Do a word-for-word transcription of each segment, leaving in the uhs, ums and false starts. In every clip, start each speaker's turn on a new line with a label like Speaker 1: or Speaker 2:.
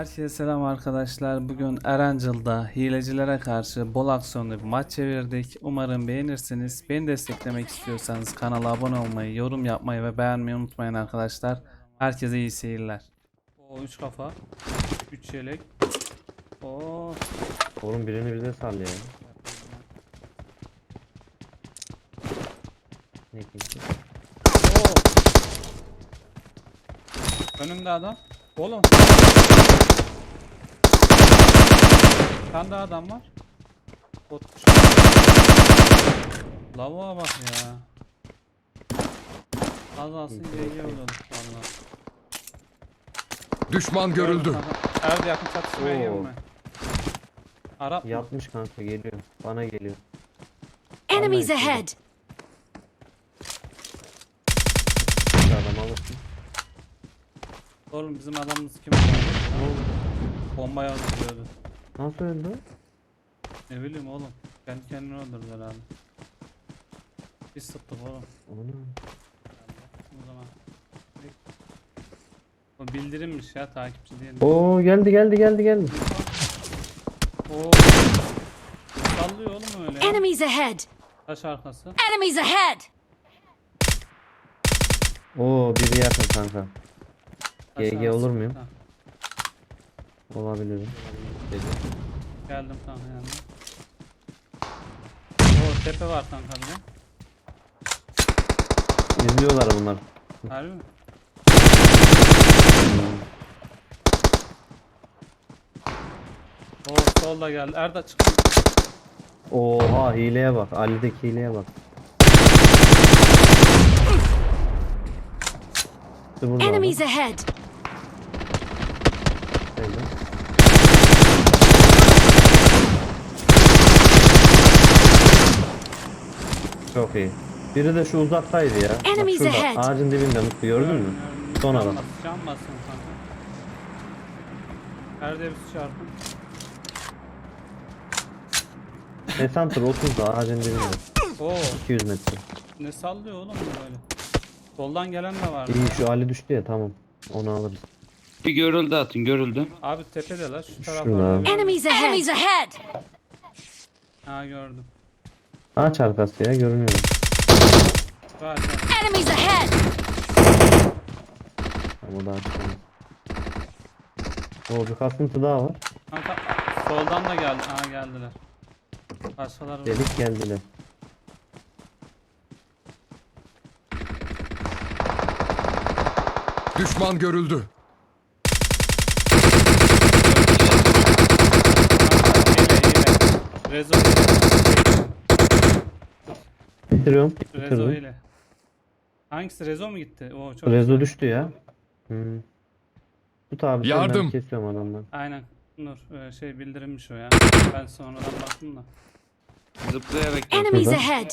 Speaker 1: Herkese selam arkadaşlar. Bugün Erangel'da hilecilere karşı bol aksiyonlu bir maç çevirdik. Umarım beğenirsiniz. Beni desteklemek istiyorsanız kanala abone olmayı, yorum yapmayı ve beğenmeyi unutmayın arkadaşlar. Herkese iyi seyirler. O üç kafa, üç yelek. Oo.
Speaker 2: Oğlum birini bize sal ya. Ne kimse?
Speaker 1: Oo. Önümde adam. Oğlum. Bir tane daha adam var. Botmuş. Lavuğa bak ya. Az alsın geliyor oğlum valla.
Speaker 3: Düşman görüldü.
Speaker 1: Erdi yakın çatışmaya
Speaker 2: Oo.
Speaker 1: girme. Arap mı?
Speaker 2: Yatmış kanka geliyor. Bana geliyor.
Speaker 4: Enemies
Speaker 2: Vallahi
Speaker 4: ahead!
Speaker 2: Bir adam alırsın.
Speaker 1: Oğlum bizim adamımız kim var? Bombaya atıyordu.
Speaker 2: Nasıl öldü?
Speaker 1: Ne bileyim oğlum. Kendi kendini öldürdü herhalde. Biz sıktık oğlum.
Speaker 2: Onu.
Speaker 1: O zaman. O bildirimmiş ya takipçi diye.
Speaker 2: Oo geldi geldi geldi geldi.
Speaker 1: Oo. Sallıyor oğlum öyle ya.
Speaker 4: Enemies ahead!
Speaker 1: Taş arkası.
Speaker 4: Enemies ahead!
Speaker 2: Oo biri yakın kanka.
Speaker 1: Taş
Speaker 2: G G
Speaker 1: arkası.
Speaker 2: olur muyum?
Speaker 1: Ha,
Speaker 2: Olabilirim.
Speaker 1: geldim kanka yanına. Oo tepe var kanka bir de.
Speaker 2: İzliyorlar bunlar.
Speaker 1: Harbi mi? Oo solda geldi. Erda çık.
Speaker 2: Oha hileye bak. Ali'deki hileye bak. İşte burada
Speaker 4: Enemies
Speaker 2: adam.
Speaker 4: ahead!
Speaker 2: Şöyle. Çok iyi. Biri de şu uzaktaydı ya. Bak
Speaker 4: Enemies
Speaker 2: şurada
Speaker 4: ahead.
Speaker 2: ağacın dibinde Mutlu gördün mü? Son adam.
Speaker 1: Can basın kanka. Erda bir çarpın.
Speaker 2: Esantur otuzda ağacın dibinde.
Speaker 1: Oo
Speaker 2: iki yüz metre.
Speaker 1: ne sallıyor oğlum bu böyle. Soldan gelen de var.
Speaker 2: İyi şu Ali düştü ya tamam. Onu alırız.
Speaker 3: Bir görüldü atın görüldü.
Speaker 1: Abi tepedeler şu
Speaker 2: Şurada
Speaker 1: taraflarda.
Speaker 2: abi.
Speaker 4: Enemies ahead! Enemies ahead!
Speaker 1: Ha gördüm.
Speaker 2: Ağaç arkası ya görünüyor.
Speaker 1: Var var.
Speaker 4: Enemies ahead!
Speaker 2: Ama daha çıkamaz. Oo bir kasıntı daha var.
Speaker 1: Kanka soldan da geldi. Ha geldiler. Başkaları var.
Speaker 2: Delik geldiler.
Speaker 3: Düşman görüldü.
Speaker 1: Hile hile. Rezo hile.
Speaker 2: Bitiriyorum.
Speaker 1: Rezo
Speaker 2: Bitirdim.
Speaker 1: hile. Hangisi Rezo mu gitti? Oo çok
Speaker 2: Rezo
Speaker 1: güzel.
Speaker 2: düştü ya. Hmm. Tut abi. sen,
Speaker 3: Yardım.
Speaker 2: Ben kesiyorum adamdan.
Speaker 1: Aynen. Nur e, şey bildirilmiş o ya. Ben sonradan baktım da.
Speaker 3: Zıplayarak gel.
Speaker 4: Enemies
Speaker 2: Şurada.
Speaker 4: ahead!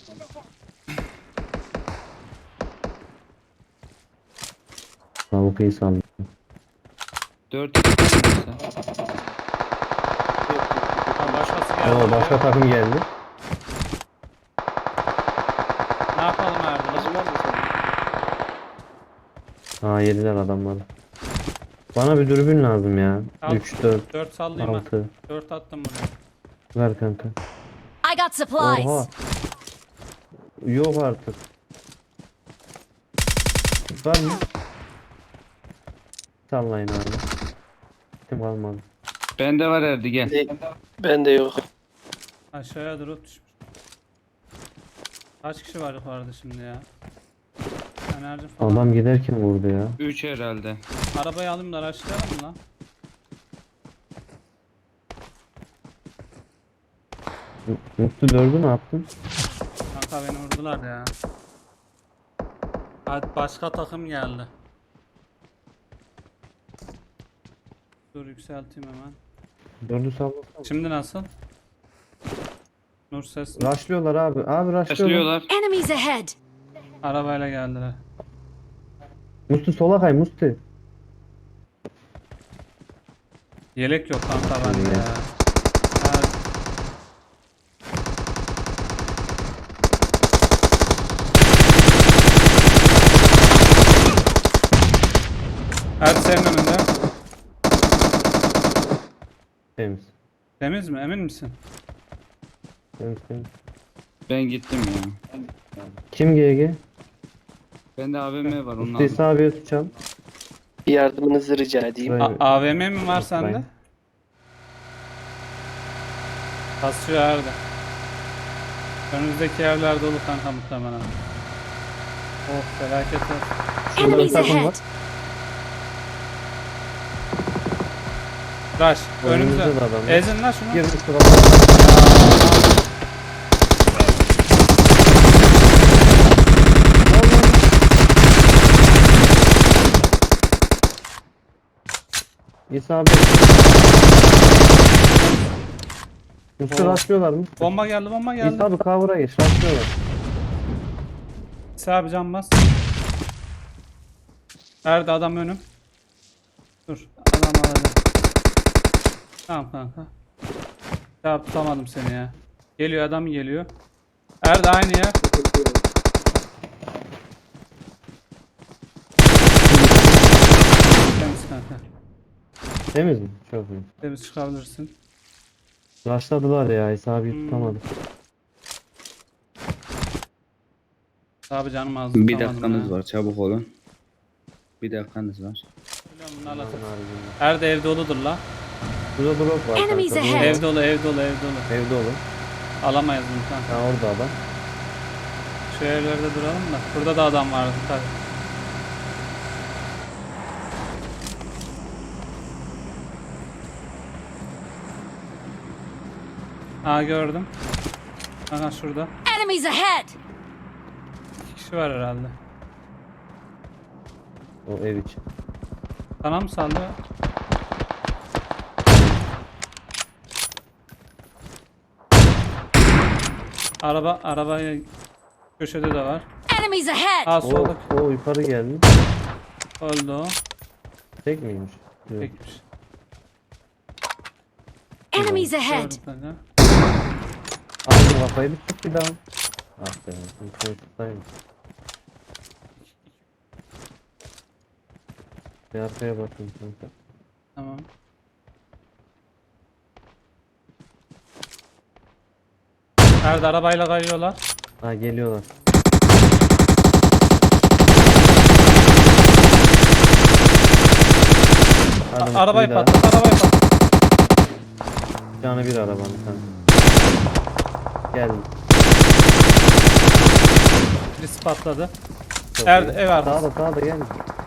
Speaker 2: Tavuk iyi sandım.
Speaker 3: Dört iki sen.
Speaker 1: Ha, başkası geldi.
Speaker 2: Oo başka
Speaker 1: ya.
Speaker 2: takım geldi.
Speaker 1: Ne yapalım Erdem?
Speaker 2: Aa yediler adamları. Bana bir dürbün lazım ya.
Speaker 1: Al.
Speaker 2: üç, dört,
Speaker 1: dört sallayayım ha.
Speaker 2: altı.
Speaker 1: dört attım buraya.
Speaker 2: Ver kanka.
Speaker 4: I got supplies!
Speaker 2: Oha. Yok artık. Var mı? Sallayın abi. Kim kalmadı.
Speaker 3: Bende var Erdi gel.
Speaker 5: Bende yok.
Speaker 1: Aşağıya drop düşmüş. Kaç kişi var yukarıda şimdi ya? Enerji falan.
Speaker 2: Adam giderken vurdu ya.
Speaker 3: Üç herhalde.
Speaker 1: Arabayı alayım da araçlayalım mı lan?
Speaker 2: Mutlu dördü ne yaptın?
Speaker 1: Kanka beni vurdular ya. Hadi başka takım geldi. Dur yükselteyim hemen.
Speaker 2: Dördü sallasana.
Speaker 1: Şimdi nasıl? Nur ses.
Speaker 2: Raşlıyorlar abi. Abi raşlıyorlar.
Speaker 3: Taşlıyorlar.
Speaker 4: Enemies ahead!
Speaker 1: Arabayla geldiler.
Speaker 2: Musti sola kay Musti.
Speaker 1: Yelek yok kanka bende
Speaker 2: İyi.
Speaker 1: ya. Ha, Hadi senin önünde. Temiz mi? Emin misin?
Speaker 2: Temiz, temiz.
Speaker 3: Ben gittim ya.
Speaker 2: Kim G G?
Speaker 3: Bende A V M var onu
Speaker 2: Üsteyse
Speaker 3: aldım.
Speaker 2: abiye tutacağım.
Speaker 5: Bir yardımınızı rica edeyim.
Speaker 2: Şurayı-
Speaker 1: A- AVM mi var sende?
Speaker 2: Unutmayın.
Speaker 1: Kasıyor Erdi. Önümüzdeki evler dolu kanka muhtemelen. Oh felaket olsun.
Speaker 2: Şurada bir
Speaker 4: Enemies
Speaker 2: takım var.
Speaker 4: ahead!
Speaker 1: Rush önümüzde.
Speaker 2: Önümüzde de adam var.
Speaker 1: Ezin lan şunu.
Speaker 2: Girmiş sırada. İsa abi. Üstü
Speaker 1: Oo.
Speaker 2: rastlıyorlar mı?
Speaker 1: Bomba geldi bomba geldi.
Speaker 2: İsa abi cover'a geç rastlıyorlar.
Speaker 1: İsa abi can bas. Erdi adam önüm. Dur adam alacağım. Tamam kanka. Ya tutamadım seni ya. Geliyor adam geliyor. Erdi aynı yer. Temiz kanka.
Speaker 2: Temiz mi? Çok iyi.
Speaker 1: Temiz çıkabilirsin.
Speaker 2: Rushladılar ya İsa abi
Speaker 1: Hmm.
Speaker 2: tutamadı.
Speaker 1: Abi canım az
Speaker 3: Bir
Speaker 1: tutamadım
Speaker 3: dakikanız
Speaker 1: ya.
Speaker 3: var çabuk olun. Bir dakikanız var.
Speaker 1: Biliyorum bunlarla tut-
Speaker 2: Haricinde.
Speaker 1: Erdi ev doludur la.
Speaker 2: Burada drop var
Speaker 4: Enemies
Speaker 2: kanka.
Speaker 4: ahead.
Speaker 1: Ev dolu ev dolu ev dolu.
Speaker 2: Evde olun.
Speaker 1: Alamayız bunu kanka.
Speaker 2: Ha orada adam.
Speaker 1: Şu evlerde duralım da. Burada da adam vardı tabii. Aa gördüm. Aha şurada.
Speaker 4: Enemies ahead!
Speaker 1: İki kişi var herhalde.
Speaker 2: O ev için.
Speaker 1: Sana mı sallıyor? Araba, arabaya köşede de var.
Speaker 4: Enemies ahead!
Speaker 1: Aa
Speaker 2: O,
Speaker 1: soldaki
Speaker 2: o yukarı geldi.
Speaker 1: öldü o.
Speaker 2: Tek miymiş? Yok.
Speaker 1: Tekmiş.
Speaker 4: Enemies ahead!
Speaker 1: Gördüm kanka.
Speaker 2: Aldım kafayı bir tut bir daha. Ah be. Sen tutayım. Bir arkaya bakayım kanka.
Speaker 1: Tamam. Nerede arabayla kayıyorlar?
Speaker 2: Ha geliyorlar. Adam
Speaker 1: Arabayı
Speaker 2: bir daha.
Speaker 1: patlat, arabayı patlat.
Speaker 2: Canı bir arabanın kanka. Geldi.
Speaker 1: Birisi patladı.
Speaker 2: Çok
Speaker 1: Er-
Speaker 2: iyi.
Speaker 1: ev arkası.
Speaker 2: Sağda sağda gel.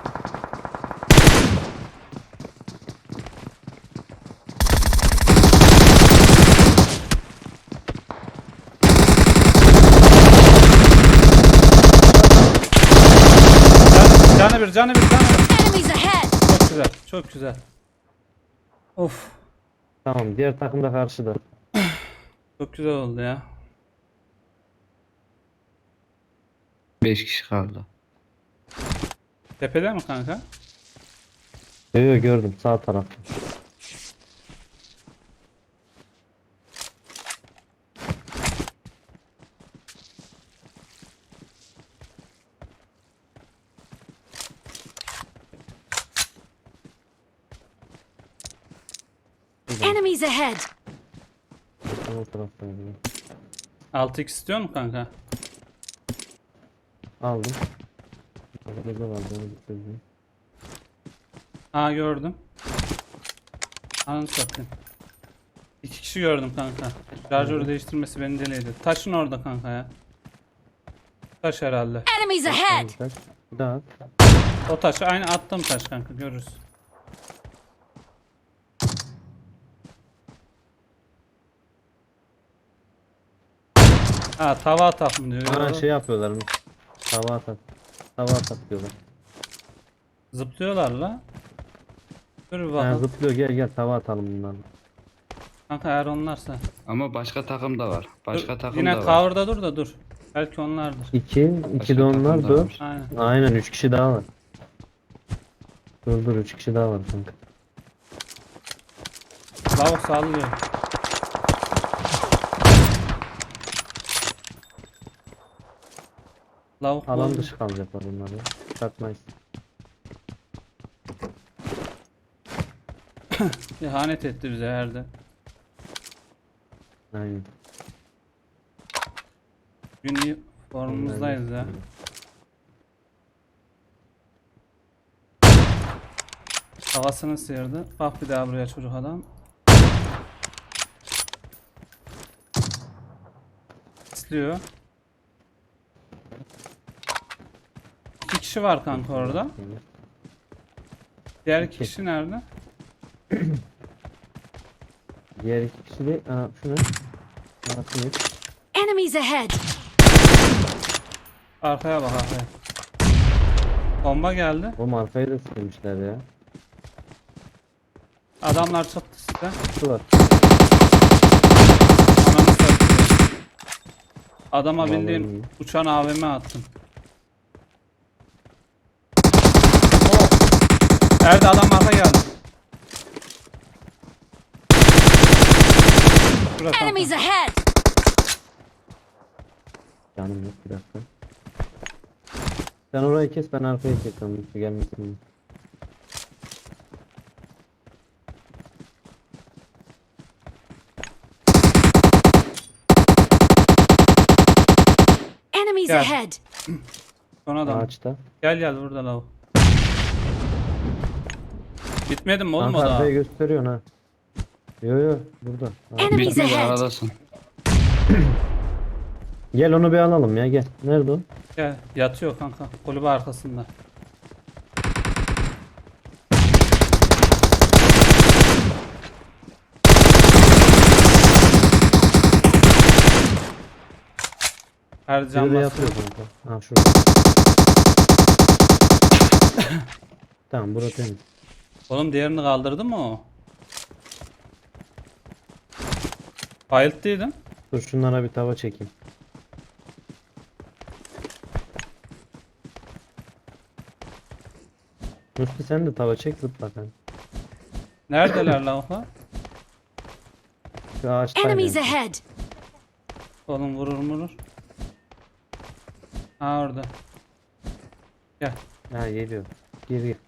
Speaker 1: Can- Canı bir, canı bir, canı bir.
Speaker 4: Enemies ahead!
Speaker 1: Çok güzel, çok güzel. Of,
Speaker 2: Tamam diğer takım da karşıda.
Speaker 1: çok güzel oldu ya.
Speaker 3: beş kişi kaldı.
Speaker 1: Tepede mi kanka?
Speaker 2: Yo yo gördüm sağ tarafta.
Speaker 4: Enemies ahead!
Speaker 2: O tarafta.
Speaker 1: altı x istiyor mu kanka?
Speaker 2: Aldım. Burada var onu bitirdim.
Speaker 1: Aa gördüm. Ananı satayım. İki kişi gördüm kanka. Şarjörü değiştirmesi beni deli ediyor. Taşın orada kanka ya. Taş herhalde.
Speaker 4: Enemies ahead!
Speaker 2: Kaç? Bir daha at.
Speaker 1: O taşı aynı attığım taş kanka görürüz. Ha tava atak mı diyor.
Speaker 2: Ha şey yapıyorlar mı? Tava atak. Tava atak diyorlar.
Speaker 1: Zıplıyorlar la. Dur bir
Speaker 2: Ha,
Speaker 1: bakalım.
Speaker 2: zıplıyor gel gel tava atalım bunlarla.
Speaker 1: Kanka eğer onlarsa.
Speaker 3: Ama başka takım da var. Başka
Speaker 1: Dur,
Speaker 3: takım
Speaker 1: yine
Speaker 3: da var.
Speaker 1: cover'da dur da dur. Belki onlardır.
Speaker 2: İki, iki
Speaker 3: Başka
Speaker 2: de onlar
Speaker 3: takım da
Speaker 2: dört.
Speaker 3: var.
Speaker 1: Aynen.
Speaker 2: Aynen üç kişi daha var. Dur dur üç kişi daha var kanka.
Speaker 1: Lavuk sallıyor. Lavuk
Speaker 2: Alan
Speaker 1: bozdu.
Speaker 2: dışı kalacaklar bunlar ya. Çıkartmayız.
Speaker 1: İhanet etti bize Erde.
Speaker 2: Aynen.
Speaker 1: Gün iyi formumuzdayız ya. Havasını sıyırdı. Bak bir daha buraya çocuk adam. İsliyor. İki kişi var kanka orada. Diğer iki kişi nerede?
Speaker 2: Diğer iki kişi de aa, şu ne? Aa, şu ne?
Speaker 4: Enemies ahead!
Speaker 1: Arkaya bak arkaya. Bomba geldi.
Speaker 2: Oğlum arkayı da silmişler ya.
Speaker 1: Adamlar çıktı size.
Speaker 2: Şu var.
Speaker 1: Ananı satayım. Adama
Speaker 2: Vallahi
Speaker 1: bildiğin
Speaker 2: iyi.
Speaker 1: uçan A V M attım. Oh! Nerede adam arka geldi. Şurada kanka.
Speaker 4: Enemies ahead!
Speaker 2: Canım yok bir dakika. Sen orayı kes, ben arkayı kesiyorum. Lütfü gelmesin.
Speaker 4: Enemies
Speaker 1: Gel.
Speaker 4: ahead!
Speaker 1: Son adam.
Speaker 2: Ağaçta.
Speaker 1: Gel gel burada lav. Bitmedi mi oğlum o
Speaker 2: Kanka
Speaker 1: da?
Speaker 2: arkayı gösteriyorsun ha. Yo yo burada. Ha.
Speaker 4: Enemies
Speaker 3: Bitmedi
Speaker 4: ahead!
Speaker 3: aradasın.
Speaker 2: Gel onu bir alalım ya, gel. Nerede o?
Speaker 1: Gel yatıyor kanka kulübe arkasında. Her
Speaker 2: Biri
Speaker 1: cam
Speaker 2: de
Speaker 1: basıyor.
Speaker 2: yatıyor kanka. Ha şurada. Tamam burası temiz.
Speaker 1: Oğlum diğerini kaldırdı mı o? Bayılttıydım.
Speaker 2: Dur şunlara bir tava çekeyim. Musti sen de tava çek, zıpla sen.
Speaker 1: Neredeler lavuklar?
Speaker 2: Şu ağaçta.
Speaker 4: Enemies ahead!
Speaker 1: Oğlum vurur vurur. Ha orada. Gel.
Speaker 2: Ha geliyor. Gir gir.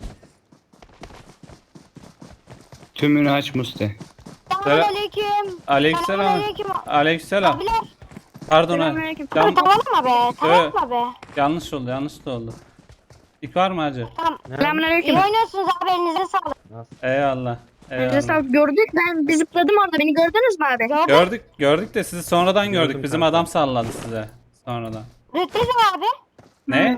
Speaker 3: Tümünü aç Musti.
Speaker 6: Selamünaleyküm.
Speaker 1: Aleykümselam.
Speaker 6: Selamünaleyküm.
Speaker 1: Aleykümselam.
Speaker 6: Abiler.
Speaker 1: Pardon ha.
Speaker 6: Selamünaleyküm.
Speaker 1: Yan-
Speaker 6: Tamam mı be? Tamam mı be?
Speaker 1: yanlış oldu yanlış da oldu. İlk var mı hacı?
Speaker 6: Tamam. İyi
Speaker 7: Selamünaleyküm.
Speaker 6: oynuyorsunuz abi, elinize sağlık.
Speaker 1: Eyvallah.
Speaker 7: Elinize
Speaker 1: Eyvallah.
Speaker 7: sağlık. Gördük, ben bir zıpladım orada. Beni gördünüz mü abi?
Speaker 6: Gördün.
Speaker 1: Gördük gördük de sizi sonradan
Speaker 2: Gördüm
Speaker 1: gördük. Bizim
Speaker 2: kanka.
Speaker 1: adam salladı size sonradan.
Speaker 6: Rütbeniz mi abi?
Speaker 1: Ne?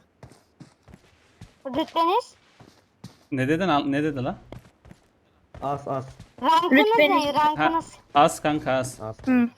Speaker 6: Rütbeniz?
Speaker 1: Ne dedin al- ne dedi lan?
Speaker 2: As as
Speaker 6: Rankınız
Speaker 7: Rütbeniz.
Speaker 6: ne? Rankınız.
Speaker 1: Az kanka az.
Speaker 2: as.
Speaker 7: Hı.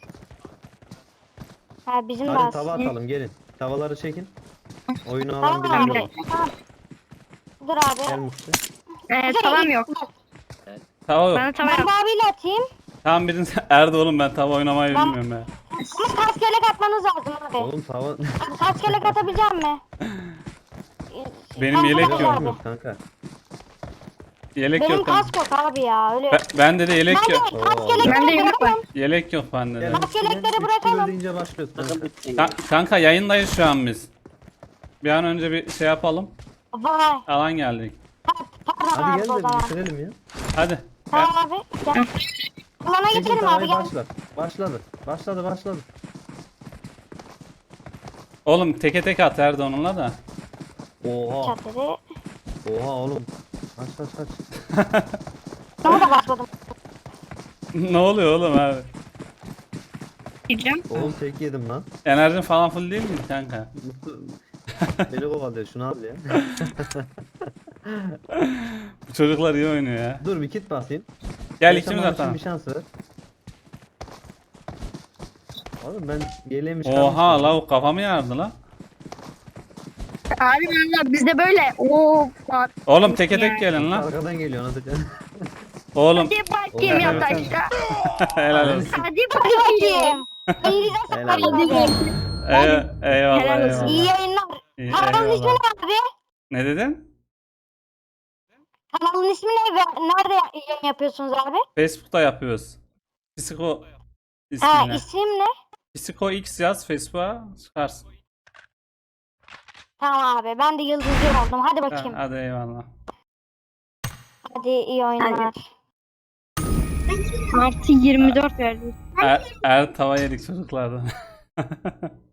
Speaker 6: Ha bizim de
Speaker 2: Hadi
Speaker 6: az.
Speaker 2: tava atalım, gelin. Tavaları çekin. Oyunu alan
Speaker 6: Tamam
Speaker 2: bilen
Speaker 6: abi.
Speaker 2: yok.
Speaker 6: Tamam. Dur
Speaker 2: Gel
Speaker 6: abi.
Speaker 2: Musti.
Speaker 7: Ee, tavam yok.
Speaker 1: Tava yok.
Speaker 7: Bana tava
Speaker 6: Ben
Speaker 7: yok.
Speaker 6: de abiyle atayım.
Speaker 1: Tamam birini Erdi oğlum ben tava oynamayı
Speaker 6: Ben-
Speaker 1: bilmiyorum ya.
Speaker 6: Ama kaskelek atmanız lazım abi.
Speaker 2: Oğlum tava...
Speaker 6: Abi kaskelek atabilecek mi?
Speaker 1: Benim
Speaker 6: Kaskı
Speaker 1: yelek
Speaker 6: var
Speaker 1: yok.
Speaker 6: abi.
Speaker 2: Yok kanka.
Speaker 1: Yelek
Speaker 6: Benim
Speaker 1: yok ama.
Speaker 6: kask yok abi ya. Öyle.
Speaker 1: Ben, bende de yelek
Speaker 6: Ben de
Speaker 1: yok.
Speaker 6: kaskelekleri
Speaker 7: Bende yelek var.
Speaker 6: bırakalım.
Speaker 1: Yelek yok bende de.
Speaker 2: Gel,
Speaker 6: Kaskelekleri
Speaker 2: gel,
Speaker 6: bırakalım.
Speaker 2: üç deyince başlıyoruz kanka.
Speaker 1: Ka- kanka yayındayız şu an biz. Bir an önce bir şey yapalım.
Speaker 6: Vay.
Speaker 1: Alan geldik.
Speaker 6: Pardon
Speaker 2: Hadi
Speaker 6: abi
Speaker 2: gel
Speaker 6: o
Speaker 2: de
Speaker 6: zaman.
Speaker 2: bitirelim ya.
Speaker 1: Hadi. Gel.
Speaker 6: Tamam abi. Gel. Alana
Speaker 2: Çekin
Speaker 6: geçelim abi
Speaker 2: tavayı,
Speaker 6: gel.
Speaker 2: başla. Başladı. Başladı başladı.
Speaker 1: Oğlum teke tek at Erdi onunla da.
Speaker 2: Oha.
Speaker 6: Çatırı.
Speaker 2: Oha oğlum. Kaç kaç kaç.
Speaker 6: Sana da başladım.
Speaker 1: Ne oluyor oğlum abi?
Speaker 7: Diyeceğim.
Speaker 2: Oğlum tek yedim lan.
Speaker 1: Enerjin falan full değil mi kanka?
Speaker 2: Mutlu. Beni kovalıyor, şunu al ya.
Speaker 1: Bu çocuklar iyi oynuyor ya.
Speaker 2: Dur bir kit basayım.
Speaker 1: Gel
Speaker 2: Yaşaman
Speaker 1: ikimiz
Speaker 2: için
Speaker 1: atalım.
Speaker 2: bir şans ver. Oğlum ben yeleğimi
Speaker 1: Oha
Speaker 2: çıkarmıştım.
Speaker 1: lavuk kafamı yardı lan.
Speaker 7: Abi valla bizde böyle. Oo. Bak.
Speaker 1: Oğlum teke
Speaker 7: Yani.
Speaker 1: tek gelin lan.
Speaker 2: Arkadan geliyor nasıl?
Speaker 1: Oğlum
Speaker 7: Hadi bakayım
Speaker 2: Oğlum,
Speaker 7: yataşta.
Speaker 1: helal olsun.
Speaker 7: Hadi
Speaker 6: Hadi
Speaker 7: bakayım.
Speaker 6: bakayım. Elinize
Speaker 2: Helal
Speaker 6: sağlık
Speaker 2: olsun.
Speaker 6: abi.
Speaker 1: Ey- eyvallah
Speaker 7: Helal olsun.
Speaker 6: İyi
Speaker 1: eyvallah.
Speaker 6: yayınlar.
Speaker 1: İyi,
Speaker 6: Kanalın ismi
Speaker 1: eyvallah.
Speaker 6: ne abi?
Speaker 1: Ne dedin?
Speaker 6: Kanalın ismi ne ve nerede yayın yapıyorsunuz abi?
Speaker 1: Facebook'ta yapıyoruz. Psiko
Speaker 6: Ha
Speaker 1: ismine.
Speaker 6: isim ne?
Speaker 1: Psiko X yaz Facebook'a çıkarsın.
Speaker 6: Tamam abi ben de yıldızcı oldum. Hadi
Speaker 1: Ha,
Speaker 6: bakayım.
Speaker 1: hadi eyvallah.
Speaker 6: Hadi iyi oyunlar.
Speaker 7: Artı yirmi dört verdi.
Speaker 1: Er, er tava yedik çocuklardan.